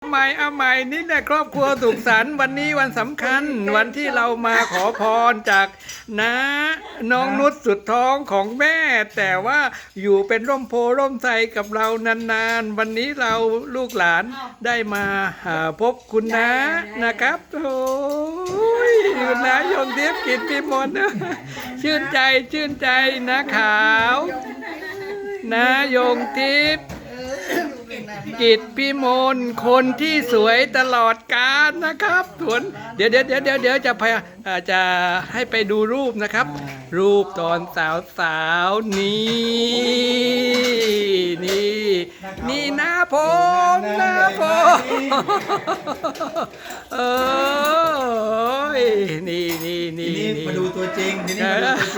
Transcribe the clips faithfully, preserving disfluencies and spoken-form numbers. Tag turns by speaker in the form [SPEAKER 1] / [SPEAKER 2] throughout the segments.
[SPEAKER 1] ใหม่เอาใหม่นี่แหละครอบครัวสุขสันต์วันนี้วันสำคัญวันที่เรามาขอพรจากน้าน้องนุชสุดท้องของแม่ แต่ว่าอยู่เป็นร่มโพร่มไทรกับเรานานๆวันนี้เราลูกหลานได้มาหาพบคุณน้านะครับโอ้ยคุณน้ายงทิพย์กิจพิมลชื่นใจชื่นใจนะขาวนะยงทิพย์กิจพิมลคนที่สวยตลอดกาลนะครับสวนเดี๋ยวเดี๋ยวเดี๋ยวเดี๋ยวเดี๋ยวจะพยาจะให้ไปดูรูปนะครับ รูปตอนสาวสาวนี่นี่นี่หน้าผมหน้าผมเอ้ยนี่นี่นี่
[SPEAKER 2] มาดูตัวจริงทีนี้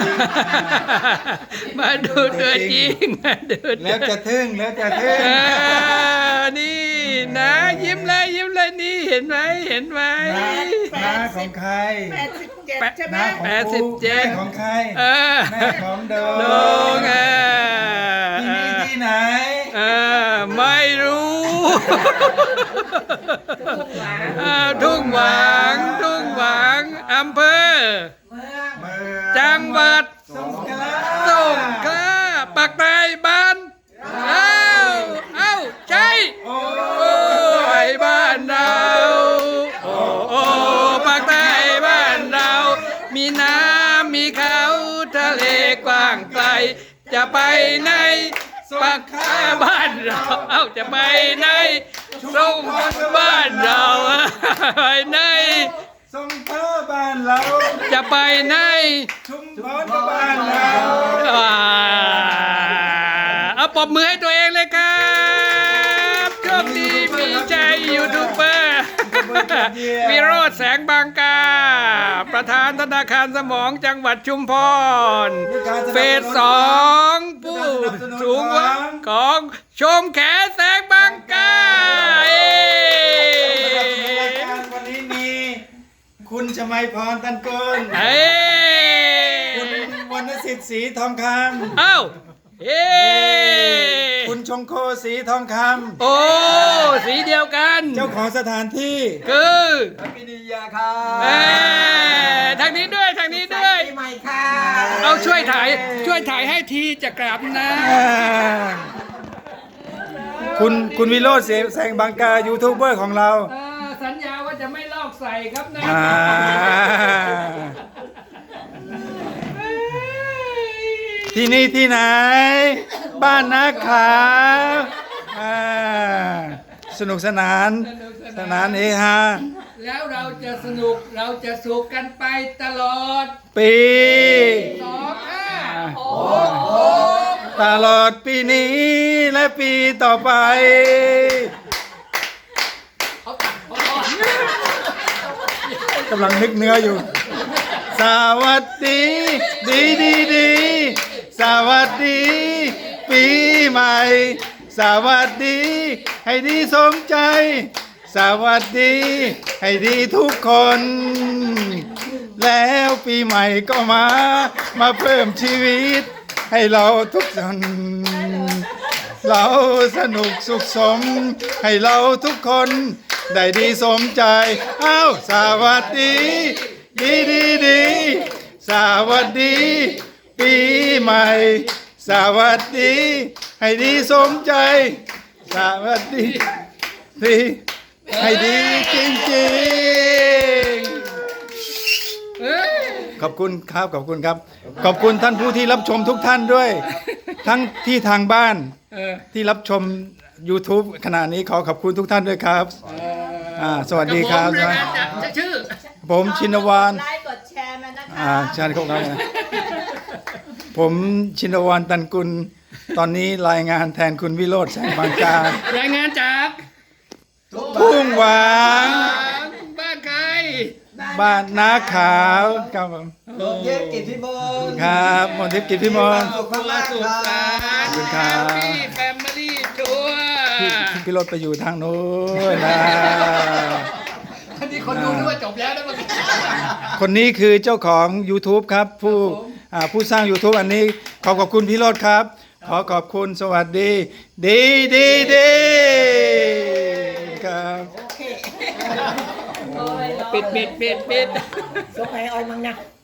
[SPEAKER 2] มาดูตัวจริง
[SPEAKER 1] มาดูตัวจริงมาดู
[SPEAKER 2] แล้วจะทึ่งแล้วจะทึ่ง
[SPEAKER 1] นี่นะยิ้มเลยยิ้มเลยนี่เห็นไหมเห็นไหม
[SPEAKER 2] น้าของใคร
[SPEAKER 3] แปดสิบเจ็ดใช่ไหม
[SPEAKER 1] แปดสิบเจ็ด
[SPEAKER 2] ของใครแม่ของโด
[SPEAKER 1] ง
[SPEAKER 2] ที่นี่ที่ไหน
[SPEAKER 1] ไม่รู้ทุ่งหวางทุ่งหวางอำเภอจังหวัดสงขลาสงขลาปักใต้บ้านเอ้าเอ้าใช่โอ้ยบ้านเราโอ้โอ้ปักใต้บ้านเรามีน้ำมีเขาทะเลกว้างไกลจะไปไหนปักใต้บ้านเราเอ้าจะไปไหนส่งบ้านเราไปไหน
[SPEAKER 2] ส่งพ่อบ้านเรา
[SPEAKER 1] จะไปไหน
[SPEAKER 2] ชุมพรบ้านเรา
[SPEAKER 1] เอาปรบมือให้ตัวเองเลยครับโชคดีมีใจยูทูบเบอร์วิโรจน์แสงบางกาประธานธนาคารสมองจังหวัดชุมพรเฟสสองผู้สูงวัยของชมแขแสงบางกา
[SPEAKER 2] วันนี้มีคุณชมัยพรตันกุลคุณวรรณสิทธิ์ศรีทองคำ
[SPEAKER 1] เอ้าเฮ้
[SPEAKER 2] คุณชงโคสีทองคำ
[SPEAKER 1] โอ้สีเดียวกัน
[SPEAKER 2] เจ้าของสถานที่
[SPEAKER 1] คือ
[SPEAKER 2] พินิยาค่ะ
[SPEAKER 1] ทางนี้ด้วยทางนี้ด้วย
[SPEAKER 3] ใหม่ค่ะ
[SPEAKER 1] เอาช่วยถ่ายช่วยถ่ายให้ทีจะกลับนะ
[SPEAKER 2] คุณคุณวิโรจน์แสงบางกายูทูบเบอร์ของเรา
[SPEAKER 1] สัญญาว่าจะไม่ลอกใส่ครับนะ
[SPEAKER 2] ที่นี่ที่ไหนบ้านนาขาสนุกสนานสนานเฮฮา
[SPEAKER 1] แล้วเราจะสนุกเราจะสุขกันไปตลอด
[SPEAKER 2] ปี
[SPEAKER 1] สองห้า
[SPEAKER 2] ตลอดปีนี้และปีต่อไปกำลังนึกเนื้ออยู่สวัสดีดีดีดีสวัสดีปีใหม่สวัสดีให้ดีสมใจสวัสดีให้ดีทุกคนแล้วปีใหม่ก็มามาเพิ่มชีวิตให้เราทุกคนเราสนุกสุขสมให้เราทุกคนได้ดีสมใจอ้าวสวัสดีดีดีดีสวัสดีปีใหม่สวัสดีให้ดีสมใจสวัสดีดีให้ดีจริงๆขอบคุณครับขอบคุณครับขอบคุณท่านผู้ที่รับชมทุกท่านด้วยทั้งที่ทางบ้านที่รับชม YouTube ขณะนี้ขอขอบคุณทุกท่านด้วยครับสวัสดีครับ
[SPEAKER 1] ชื่อ
[SPEAKER 2] ผมชินวาล
[SPEAKER 3] ไลค์กดแชร์มานะคะ
[SPEAKER 2] อ่าใช่ครับผมชินวาลตันกุลตอนนี้รายงานแทนคุณวิโรจน์แสงบางการ
[SPEAKER 1] ายงานจาก
[SPEAKER 2] ทุ่งหวาง
[SPEAKER 1] บ้านใคร
[SPEAKER 2] บ้านนาขาวครับผม
[SPEAKER 3] มนทิพย์กิจพิมล
[SPEAKER 2] ครับมนทิพย์กิจพิมล
[SPEAKER 3] สุขมากสุขสันต์
[SPEAKER 1] ครับพี่แฟมิลี่ทัวร์
[SPEAKER 2] พี่รถไปอยู่ทางโน้นนะ
[SPEAKER 1] อันนี้คนดูด้วยจบแล้วนะเมื่อกี้
[SPEAKER 2] คนนี้คือเจ้าของ YouTube ครับผู้ผู้สร้าง YouTube อันนี้ขอขอบคุณพี่รถครับขอขอบคุณสวัสดีดีดีดีครับ
[SPEAKER 3] โอ้ย
[SPEAKER 1] ปิดปิดปิดปิด
[SPEAKER 3] สงสัยออยมังนะ